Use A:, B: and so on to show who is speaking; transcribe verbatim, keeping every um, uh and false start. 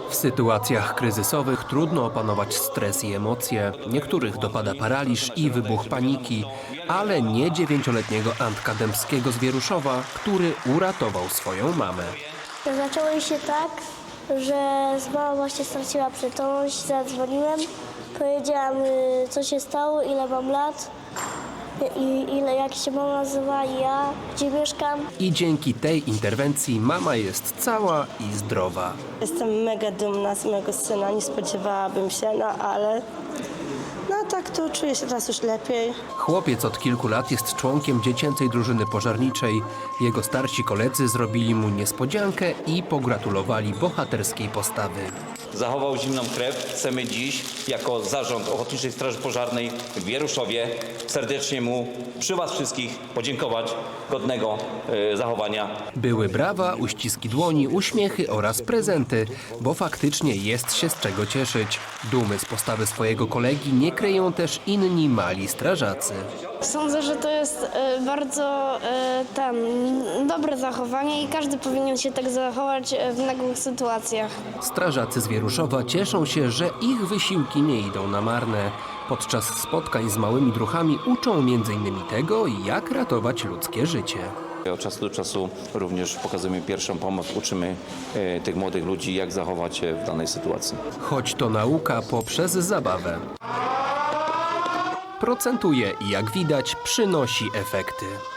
A: W sytuacjach kryzysowych trudno opanować stres i emocje. Niektórych dopada paraliż i wybuch paniki, ale nie dziewięcioletniego Antka Dębskiego z Wieruszowa, który uratował swoją mamę.
B: Zaczęło się tak, że mama właśnie straciła przytomność, zadzwoniłem, powiedziałam, y, co się stało, ile mam lat i ile, jak się mama nazywa i ja, gdzie mieszkam.
A: I dzięki tej interwencji mama jest cała i zdrowa.
C: Jestem mega dumna z mojego syna, nie spodziewałabym się, no ale no tak to czuję się teraz już lepiej.
A: Chłopiec od kilku lat jest członkiem dziecięcej drużyny pożarniczej. Jego starsi koledzy zrobili mu niespodziankę i pogratulowali bohaterskiej postawy.
D: Zachował zimną krew. Chcemy dziś jako Zarząd Ochotniczej Straży Pożarnej w Wieruszowie serdecznie mu przy Was wszystkich podziękować godnego e, zachowania.
A: Były brawa, uściski dłoni, uśmiechy oraz prezenty, bo faktycznie jest się z czego cieszyć. Dumy z postawy swojego kolegi nie kryją też inni mali strażacy.
E: Sądzę, że to jest e, bardzo e, tam, dobre zachowanie i każdy powinien się tak zachować e, w nagłych sytuacjach.
A: Strażacy z Wieruszowa cieszą się, że ich wysiłki nie idą na marne. Podczas spotkań z małymi druchami uczą między innymi tego, jak ratować ludzkie życie.
D: Od czasu do czasu również pokazujemy pierwszą pomoc, uczymy e, tych młodych ludzi, jak zachować się w danej sytuacji.
A: Choć to nauka poprzez zabawę. Procentuje i jak widać przynosi efekty.